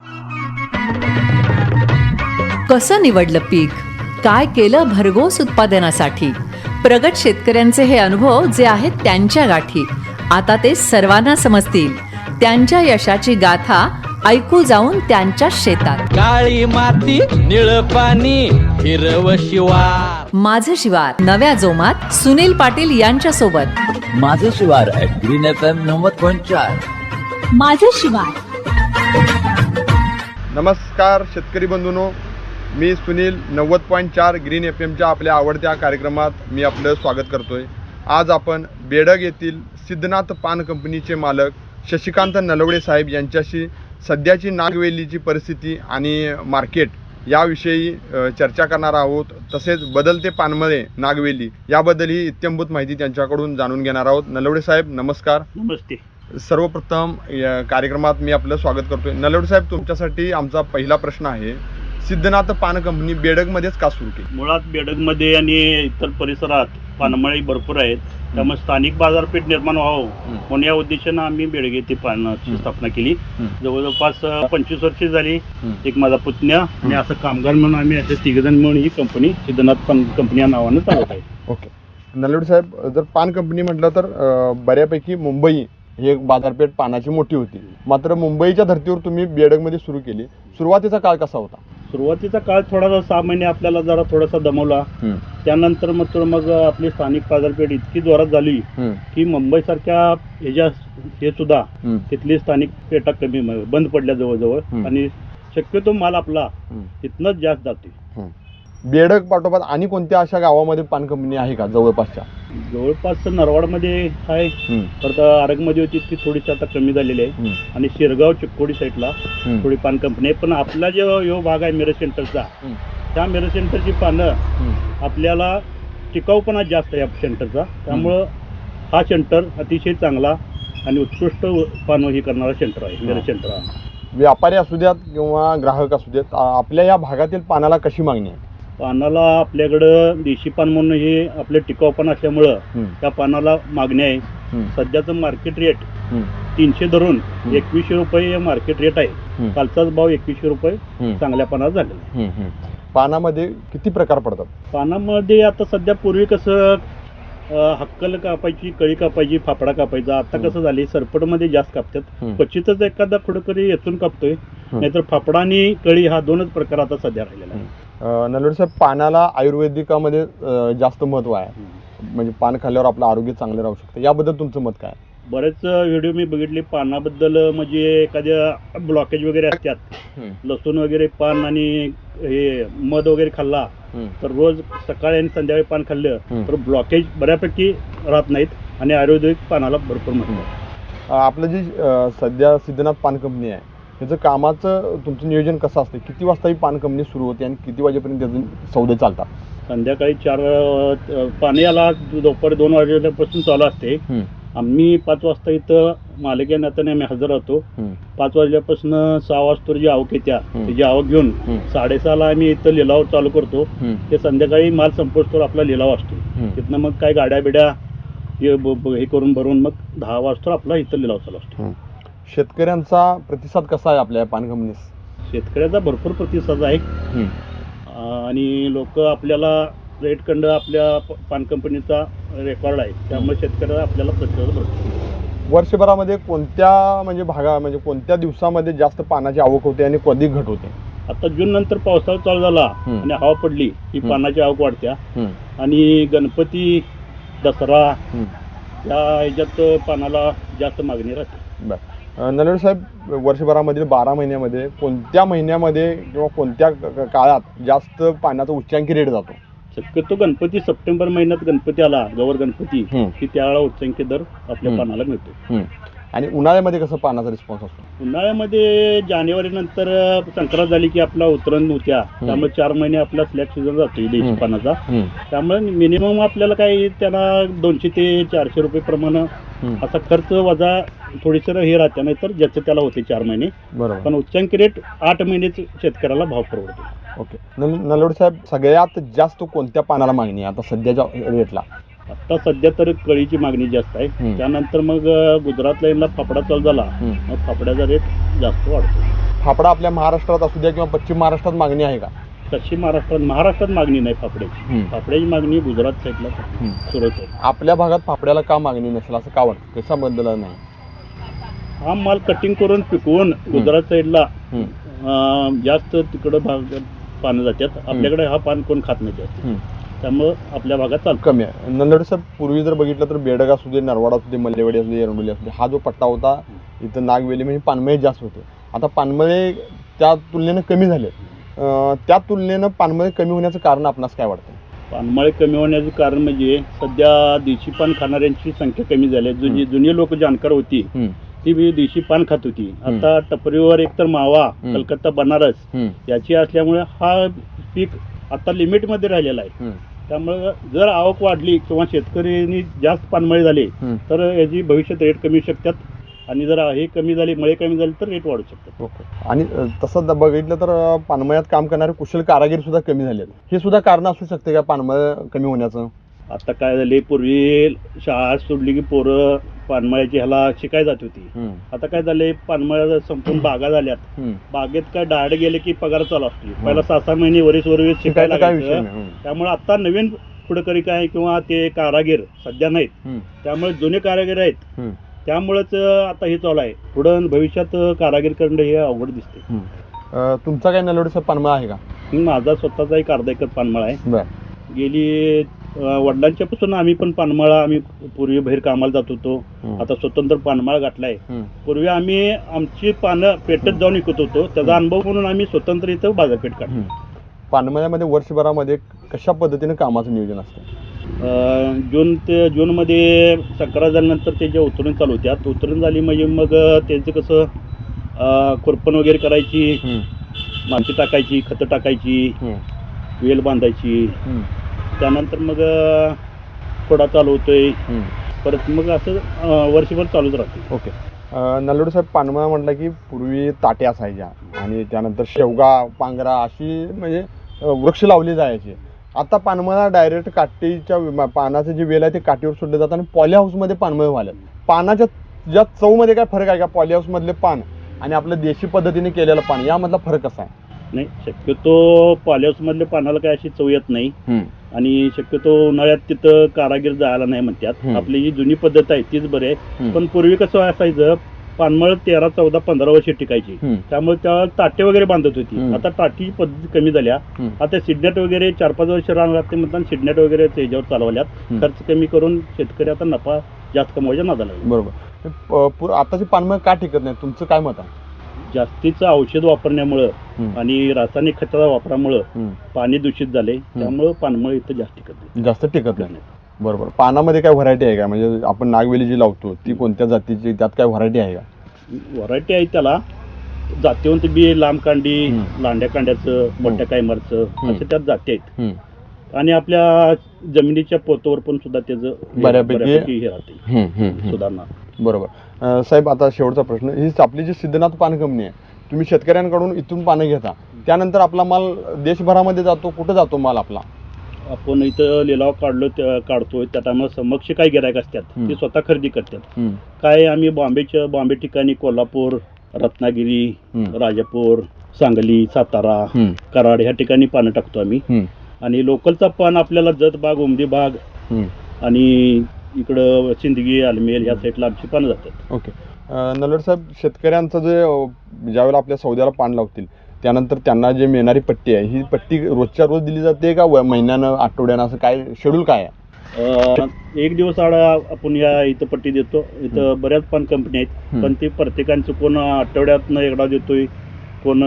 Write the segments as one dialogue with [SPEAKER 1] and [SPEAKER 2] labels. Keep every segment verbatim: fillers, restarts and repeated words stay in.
[SPEAKER 1] कसं निवडलं पीक, काय केलं भरघोस उत्पादनासाठी. प्रगत शेतकऱ्यांचे हे अनुभव जे आहेत त्यांच्या गाठी, आता ते सर्वांना समजतील. त्यांच्या यशाची गाथा ऐकू जाऊन त्यांच्या शेतात.
[SPEAKER 2] काळी माती निळ पाणी हिरव शिवार.
[SPEAKER 1] माझं शिवार नव्या जोमात सुनील पाटील यांच्या सोबत.
[SPEAKER 3] माझं शिवार ग्रीन एफ एम नव्वद पॉईंट चार.
[SPEAKER 4] माझं शिवार.
[SPEAKER 5] नमस्कार शेतकरी बंधूंनो, मी सुनील नव्वद पॉईंट चार ग्रीन एफ एमच्या आपल्या आवडत्या कार्यक्रमात मी आपलं स्वागत करतोय. आज आपण बेडग येथील सिद्धनाथ पान कंपनीचे मालक शशिकांत नलवडे साहेब यांच्याशी सध्याची नागवेलीची परिस्थिती आणि मार्केट याविषयी चर्चा करणार आहोत. तसेच बदलते पानमळे नागवेली याबद्दलही इत्यंभूत माहिती त्यांच्याकडून जाणून घेणार आहोत. नलवडे साहेब नमस्कार.
[SPEAKER 6] नमस्ते.
[SPEAKER 5] सर्वप्रथम या कार्यक्रमात मी आपलं स्वागत करतोय. नलवडे साहेब, तुमच्यासाठी आमचा पहिला प्रश्न आहे, सिद्धनाथ पान कंपनी बेडगमध्येच का सुरू केली?
[SPEAKER 6] मुळात बेडगमध्ये आणि इतर परिसरात पानमळी भरपूर आहेत, त्यामुळे स्थानिक बाजारपेठ निर्माण व्हावं म्हणून या उद्देशानं आम्ही बेडग येथे पानाची स्थापना केली. जवळपास पंचवीस वर्षे झाली. एक माझा पुतण्या आणि असं कामगार म्हणून आम्ही असे तिघजण मिळून ही कंपनी सिद्धनाथ पान कंपनी या नावानं चालवत आहे.
[SPEAKER 5] ओके नलवडे साहेब, जर पान कंपनी म्हटलं तर बऱ्यापैकी मुंबई ही एक बाजारपेठ पानाची मोठी होती, मात्र मुंबईच्या धर्तीवर तुम्ही बेडगमध्ये सुरू केली. सुरुवातीचा काळ कसा होता?
[SPEAKER 6] सुरुवातीचा काळ थोडासा सहा महिने आपल्याला जरा थोडासा दमवला. त्यानंतर मग मग आपली स्थानिक बाजारपेठ इतकी जोरात झाली की मुंबई सारख्या ह्याच्या हे सुद्धा तिथली स्थानिक पेटा कमी बंद पडल्या जवळजवळ, आणि शक्यतो माल आपला तिथनंच जास्त जाते.
[SPEAKER 5] बेडग पाठोपाठ आणि कोणत्या अशा गावामध्ये पान कंपनी आहे का जवळपासच्या?
[SPEAKER 6] जवळपास नरवाडमध्ये आहे, परत आरगमध्ये होती ती थोडीशी आता कमी झालेली आहे, आणि शिरगाव चिक्कोडी साईडला थोडी पान कंपनी आहे. पण आपला जो यो भाग आहे मिरज सेंटरचा, त्या मिरज सेंटरची पानं आपल्याला टिकाऊपणा जास्त आहे या सेंटरचा, त्यामुळं हा सेंटर अतिशय चांगला आणि उत्कृष्ट पानं ही करणारा सेंटर आहे मिरज सेंटर हा.
[SPEAKER 5] व्यापारी असू द्यात किंवा ग्राहक असू द्यात, आपल्या या भागातील पानाला कशी मागणी आहे?
[SPEAKER 6] पानाला आपल्याकडं देशी पान म्हणून हे आपलं टिकाऊपणा असल्यामुळं त्या पानाला मागणी आहे. सध्याचं मार्केट रेट तीनशे धरून एकवीसशे रुपये मार्केट रेट आहे. कालचाच भाव एकवीसशे रुपये चांगल्या पानात झालेला आहे.
[SPEAKER 5] पानामध्ये किती प्रकार पडतात?
[SPEAKER 6] पानामध्ये आता सध्या पूर्वी कसं हक्कल कापायची, कळी कापायची, फाफडा कापायचा. आता कसं झाले सरपटमध्ये जास्त कापतात, क्वचितच एखादा कुठेतरी येथून कापतोय, नाहीतर फाफडा आणि कळी हा दोनच प्रकार आता सध्या राहिलेला आहे.
[SPEAKER 5] नलवडे साहेब, पानाला आयुर्वेदिकामध्ये जास्त महत्व आहे, म्हणजे पान खाल्ल्यावर आपलं आरोग्य चांगलं राहू शकतं, याबद्दल तुमचं मत काय?
[SPEAKER 6] बरेच व्हिडिओ मी बघितले पानाबद्दल, म्हणजे एखाद्या ब्लॉकेज वगैरे असतात, लसूण वगैरे पान आणि हे मध वगैरे खाल्ला तर रोज सकाळी आणि संध्याकाळी पान खाल्लं तर ब्लॉकेज बऱ्यापैकी राहत नाहीत आणि आयुर्वेदिक पानाला भरपूर महत्व आहे.
[SPEAKER 5] आपलं जी सध्या सिद्धनाथ पान कंपनी आहे त्याचं कामाचं तुमचं नियोजन कसं असतं? किती वाजता ही पान कंपनी सुरू होते आणि किती वाजेपर्यंत त्याचे सौदे चालतात?
[SPEAKER 6] संध्याकाळी चार पाणी याला दुपारी दोन वाजल्यापासून चालू असते. आम्ही पाच वाजता इथं मालक या नात्याने आम्ही हजर राहतो. पाच वाजल्यापासून सहा वाजता जी आवक येत्या त्याची आवक घेऊन साडेसहाला आम्ही इथं लिलाव चालू करतो. ते संध्याकाळी माल संपोसतोवर आपला लिलाव असतो. तिथनं मग काय गाड्या बिड्या हे करून भरून मग दहा वाजता आपला इथं लिलाव चालू असतो.
[SPEAKER 5] शेतकऱ्यांचा प्रतिसाद कसा आहे आपल्या पान कंपनीस?
[SPEAKER 6] शेतकऱ्याचा भरपूर प्रतिसाद आहे आणि लोक आपल्याला रेट कंड आपल्या पान कंपनीचा रेकॉर्ड आहे, त्यामुळे शेतकऱ्याला आपल्याला प्रतिसाद भरपूर.
[SPEAKER 5] वर्षभरामध्ये कोणत्या म्हणजे भागा म्हणजे कोणत्या दिवसामध्ये जास्त पानाची आवक होते आणि कधी घट होते?
[SPEAKER 6] आता जून नंतर पावसाळा चालू झाला आणि हवा पडली की पानाची आवक वाढत्या, आणि गणपती दसरा या ह्याच्यात पानाला जास्त मागणी राहते.
[SPEAKER 5] बरं नलवडे साहेब, वर्षभरामधील बारा महिन्यामध्ये कोणत्या महिन्यामध्ये किंवा कोणत्या काळात जास्त पाण्याचा उच्चांकी रेट जातो?
[SPEAKER 6] शक्यतो गणपती सप्टेंबर महिन्यात गणपती आला, गौर गणपती, की त्यावेळेला उच्चांकी दर आपल्या पानाला मिळतो.
[SPEAKER 5] आणि उन्हाळ्यामध्ये कसं पानाचा रिस्पॉन्स असतो?
[SPEAKER 6] उन्हाळ्यामध्ये जानेवारी नंतर संक्रांत झाली की आपला उतरण होत्या, त्यामुळे चार महिने आपला स्लॅग सीझन जातो देशी पानाचा. त्यामुळे मिनिमम आपल्याला काही त्याला दोनशे ते चारशे रुपये प्रमाणे असा खर्च वजा थोडीसं हे राहते, नाही तर ज्याचं त्याला होते चार महिने.
[SPEAKER 5] बरोबर.
[SPEAKER 6] पण उच्चांकी रेट आठ महिनेच शेतकऱ्याला भाव परवडतो.
[SPEAKER 5] ओके नलवडे साहेब, सगळ्यात जास्त कोणत्या पानाला मागणी आहे आता सध्याच्या रेटला?
[SPEAKER 6] आता सध्या तर कळीची मागणी जास्त आहे. त्यानंतर मग गुजरात लाईनला फाफडा चालू झाला, मग फाफड्याचा रेट जास्त वाढतो.
[SPEAKER 5] फाफडा आपल्या महाराष्ट्रात असू द्या किंवा पश्चिम महाराष्ट्रात मागणी आहे का?
[SPEAKER 6] पश्चिम महाराष्ट्रात महाराष्ट्रात मागणी नाही फाफड्याची.
[SPEAKER 5] हम्म.
[SPEAKER 6] फाफड्याची मागणी गुजरात साईडला
[SPEAKER 5] हम्म.
[SPEAKER 6] सुरत आहे.
[SPEAKER 5] आपल्या भागात फाफड्याला का मागणी नसेल असं का वाटतं? कशा बदल नाही?
[SPEAKER 6] हा माल कटिंग करून पिकवून गुजरात साईडला
[SPEAKER 5] हम्म.
[SPEAKER 6] अं, जास्त तिकडं भाग पानं जातात. आपल्याकडे हा पान कोण खात नाही जास्त.
[SPEAKER 5] हम्म.
[SPEAKER 6] त्यामुळं आपल्या भागात चालतं.
[SPEAKER 5] कमी आहे. नंदवडे साहेब, पूर्वी जर बघितलं तर बेडग असू दे, नरवाड असू दे, मल्लेवाडी असू दे, एरंडोली असू दे, हा जो पट्टा होता इथं नागवेली म्हणजे पानमळे जास्त होते. आता पानमळे त्या तुलनेनं कमी झाले. अं, त्या तुलनेनं पानमळे कमी होण्याचं कारण आपणास काय वाटतं?
[SPEAKER 6] पानमळे कमी होण्याचं कारण म्हणजे सध्या देशी पान खाणाऱ्यांची संख्या कमी झाली आहे. जुनी जुनी लोक जाणकार होती
[SPEAKER 5] हम्म.
[SPEAKER 6] ती बी देशी पान खात होती. आता टपरीवर एकतर मावा,
[SPEAKER 5] हम्म.
[SPEAKER 6] कलकत्ता, बनारस
[SPEAKER 5] हम्म.
[SPEAKER 6] याची असल्यामुळे हा पीक आता लिमिटमध्ये राहिलेला आहे.
[SPEAKER 5] हम्म.
[SPEAKER 6] त्यामुळे जर आवक वाढली किंवा शेतकऱ्यांनी जास्त पानमळे झाले
[SPEAKER 5] हम्म.
[SPEAKER 6] तर याची भविष्यात रेट कमी होऊ शकतात. आणि जर हे कमी झाले, मळे कमी झाले तर रेट वाढू शकतात.
[SPEAKER 5] ओके. आणि अ, तसं द- बघितलं तर अ, पानमळ्यात काम करणारे कुशल कारागीर सुद्धा कमी झाले. हे सुद्धा कारण असू शकते का पानमळ कमी होण्याचं?
[SPEAKER 6] आता काय झाले, पूर्वी शाळा सोडली की पोरं पानमळ्याची ह्याला शिकाय जात होती.
[SPEAKER 5] हम्म.
[SPEAKER 6] आता काय झालंय, पानमळ्या संपूर्ण बागा झाल्यात.
[SPEAKER 5] हम्म.
[SPEAKER 6] बागेत काय डायरेक्ट गेले की पगार चालू असतो. पहिला सहा सहा महिने वरीस वरीस शिकायला
[SPEAKER 5] शिकायचा काय विषय
[SPEAKER 6] लागायचं.
[SPEAKER 5] नाही. हम्म.
[SPEAKER 6] त्यामुळे आता नवीन पुढकरी काय किंवा ते कारागीर सध्या नाहीत.
[SPEAKER 5] हम्म.
[SPEAKER 6] त्यामुळे जुने कारागीर आहेत.
[SPEAKER 5] हम्म.
[SPEAKER 6] त्यामुळेच आता हे चालू आहे. पुढं भविष्यात कारागीर करणं हे अवघड दिसते.
[SPEAKER 5] हम्म. अ, तुमचा काय नलवडीचा पानमळ आहे का?
[SPEAKER 6] माझा स्वतःचा एक अर्धा एकर पानमळा आहे.
[SPEAKER 5] बर.
[SPEAKER 6] गेली अं, वडिलांच्या पासून आम्ही पण पानमळा, आम्ही पूर्वी बाहेर कामाला जात होतो.
[SPEAKER 5] हम्म.
[SPEAKER 6] आता स्वतंत्र पानमळा गाठलाय.
[SPEAKER 5] हम्म.
[SPEAKER 6] पूर्वी आम्ही आमची पानं पेटत जाऊन विकत होतो. त्याचा अनुभव म्हणून आम्ही स्वतंत्र इथं बाजारपेठ काढतो.
[SPEAKER 5] हम्म. पानमळ्यामध्ये वर्षभरामध्ये कशा पद्धतीने कामाचं नियोजन असतं?
[SPEAKER 6] अं, जून ते जूनमध्ये संक्रांत झाल्यानंतर त्याच्या उतरून चालू होत्यात. उतरून झाली म्हणजे मग त्यांचं कसं अं, खुरपण वगैरे करायची,
[SPEAKER 5] हम्म.
[SPEAKER 6] माती टाकायची, खतं टाकायची,
[SPEAKER 5] हम्म.
[SPEAKER 6] वेल बांधायची.
[SPEAKER 5] हम्म.
[SPEAKER 6] त्यानंतर मग अं, खोडा चालू होतोय.
[SPEAKER 5] हम्म.
[SPEAKER 6] परत मग असं अं, वर्षभर चालूच राहते.
[SPEAKER 5] ओके. नलवडे साहेब, पानमळा म्हटलं की पूर्वी ताट्या असायच्या आणि त्यानंतर शेवगा, पांगरा अशी म्हणजे अ, वृक्ष लावले जायचे. आता पानमळा डायरेक्ट काठीच्या विमा- पानाचं जे वेल आहे ते काठीवर सोडले जातात आणि पॉली हाऊसमध्ये पानमळ व्हायला. पानाच्या ज्या चवमध्ये काय फरक आहे का? पॉली हाऊसमधले पान आणि आपलं देशी पद्धतीने केलेलं पान यामधला फरक कसा आहे?
[SPEAKER 6] नाही, शक्यतो पॉलिहाऊसमधल्या पानाला काय अशी चव येत नाही. आणि शक्यतो उन्हाळ्यात तिथं कारागीर जायला नाही म्हणतात.
[SPEAKER 5] हम्म.
[SPEAKER 6] आपली जी जुनी पद्धत आहे तीच बरी आहे.
[SPEAKER 5] हम्म.
[SPEAKER 6] पण पूर्वी कसं असायचं, पानमळ तेरा चौदा पंधरा वर्षे टिकायची.
[SPEAKER 5] हम्म.
[SPEAKER 6] त्यामुळे त्या टाटे वगैरे बांधत होती.
[SPEAKER 5] हम्म.
[SPEAKER 6] आता टाटी पद्धती कमी झाल्या.
[SPEAKER 5] हम्म.
[SPEAKER 6] आता सिडनेट वगैरे चार पाच वर्ष राहणार ते म्हणतात, सिडनेट वगैरे त्याच्यावर चालवल्यात.
[SPEAKER 5] हम्म.
[SPEAKER 6] खर्च कमी करून शेतकरी आता नफा जास्त कमवायच्या नादाला लागले.
[SPEAKER 5] बरोबर. प- पु- आताची पानमळ का टिकत नाही? तुमचं काय मत आहे?
[SPEAKER 6] जास्तीचं औषध वापरण्यामुळं
[SPEAKER 5] हम्म.
[SPEAKER 6] आणि रासायनिक खताच्या वापरामुळं
[SPEAKER 5] हम्म.
[SPEAKER 6] पाणी दूषित झाले. त्यामुळं पानमळ इथं जास्त टिकत नाही.
[SPEAKER 5] जास्त टिकत नाही. बरोबर. पानामध्ये काय व्हरायटी आहे का? म्हणजे आपण नागवेली जी लावतो ती कोणत्या जातीची, त्यात काय व्हरायटी आहे का?
[SPEAKER 6] व्हरायटी आहे त्याला. जातीवंत बी, लांब कांडी,
[SPEAKER 5] हम्म.
[SPEAKER 6] लांड्या कांड्याचं, मोठ्या कायमरचं
[SPEAKER 5] हम्म.
[SPEAKER 6] असे त्यात जाती आहेत.
[SPEAKER 5] हम्म.
[SPEAKER 6] आणि आपल्या जमिनीच्या पोतवर पण सुद्धा त्याचं हे-
[SPEAKER 5] बऱ्यापैकी-
[SPEAKER 6] हे राहते
[SPEAKER 5] हम्म. हम्म. हम्म.
[SPEAKER 6] सुधारणा.
[SPEAKER 5] बरोबर. अं, साहेब, आता शेवटचा प्रश्न. ही आपली जी सिद्धनाथ पान कंपनी आहे, तुम्ही शेतकऱ्यांकडून इथून पानं घेता, त्यानंतर आपला माल देशभरामध्ये जातो. कुठं जातो माल आपला?
[SPEAKER 6] आपण इथं लिलाव काढलो त्या- काढतोय त्या टायमाला समक्ष काय गिरायक असतात
[SPEAKER 5] हम्म.
[SPEAKER 6] ते स्वतः खरेदी करतात.
[SPEAKER 5] हम्म.
[SPEAKER 6] काय आम्ही बॉम्बेच्या बॉम्बे ठिकाणी कोल्हापूर, रत्नागिरी,
[SPEAKER 5] हम्म.
[SPEAKER 6] राजापूर, सांगली, सातारा,
[SPEAKER 5] हम्म.
[SPEAKER 6] कराड ह्या ठिकाणी पानं टाकतो आम्ही.
[SPEAKER 5] हम्म.
[SPEAKER 6] आणि लोकलचा पान आपल्याला जत बाग, उमदी बाग
[SPEAKER 5] हम्म.
[SPEAKER 6] आणि इकडं सिंदगी, आलमेल ह्या साईडला आमची पानं जातात.
[SPEAKER 5] ओके. नलवडे साहेब, शेतकऱ्यांचं जे अं, ज्यावेळेला आपल्या सौद्याला पान लावतील त्यानंतर त्यांना जे मिळणारी पट्टी आहे, ही पट्टी रोजच्या रोज दिली जाते का व- महिन्यानं, आठवड्यानं, असं काय शेड्यूल काय आहे?
[SPEAKER 6] अं, एक दिवस आड आपण या इथं पट्टी देतो. इथं बऱ्याच पान कंपनी आहेत.
[SPEAKER 5] हम्म.
[SPEAKER 6] पण ते प्रत्येकांचं कोण आठवड्यातनं एकदा देतोय, कोण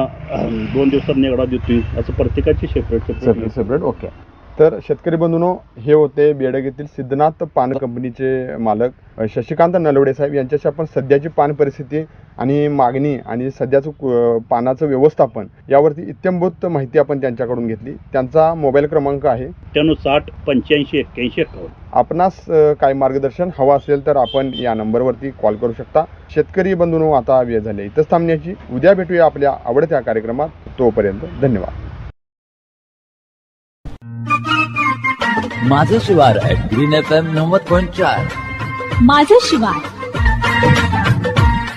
[SPEAKER 6] अं, दोन दिवसातनं एकदा देतोय, असं प्रत्येकाची separate
[SPEAKER 5] separate
[SPEAKER 6] separate.
[SPEAKER 5] Separate okay. तर शेतकरी बंधूंनो, हे होते बेडग येथील सिद्धनाथ पान कंपनीचे मालक अ, शशिकांत नलवडे साहेब. यांच्याशी आपण सध्याची पान परिस्थिती आणि मागणी आणि सध्याचं कु- पानाचं व्यवस्थापन यावरती इत्यंभूत माहिती आपण त्यांच्याकडून घेतली. त्यांचा मोबाईल क्रमांक आहे.
[SPEAKER 6] अठ्ठ्याण्णव साठ पंच्याऐंशी एक्क्याऐंशी एक्कावन्न.
[SPEAKER 5] आपणास अ, काही मार्गदर्शन हवं असेल तर आपण या नंबरवरती कॉल करू शकता. शेतकरी बंधूंनो, आता वेळ झाली इथंच थांबण्याची. उद्या भेटूया आपल्या आवडत्या कार्यक्रमात. तोपर्यंत धन्यवाद.
[SPEAKER 3] माझं शिवार ॲट ग्रीन एफ एम नव्वद पॉईंट चार.
[SPEAKER 4] माझं शिवार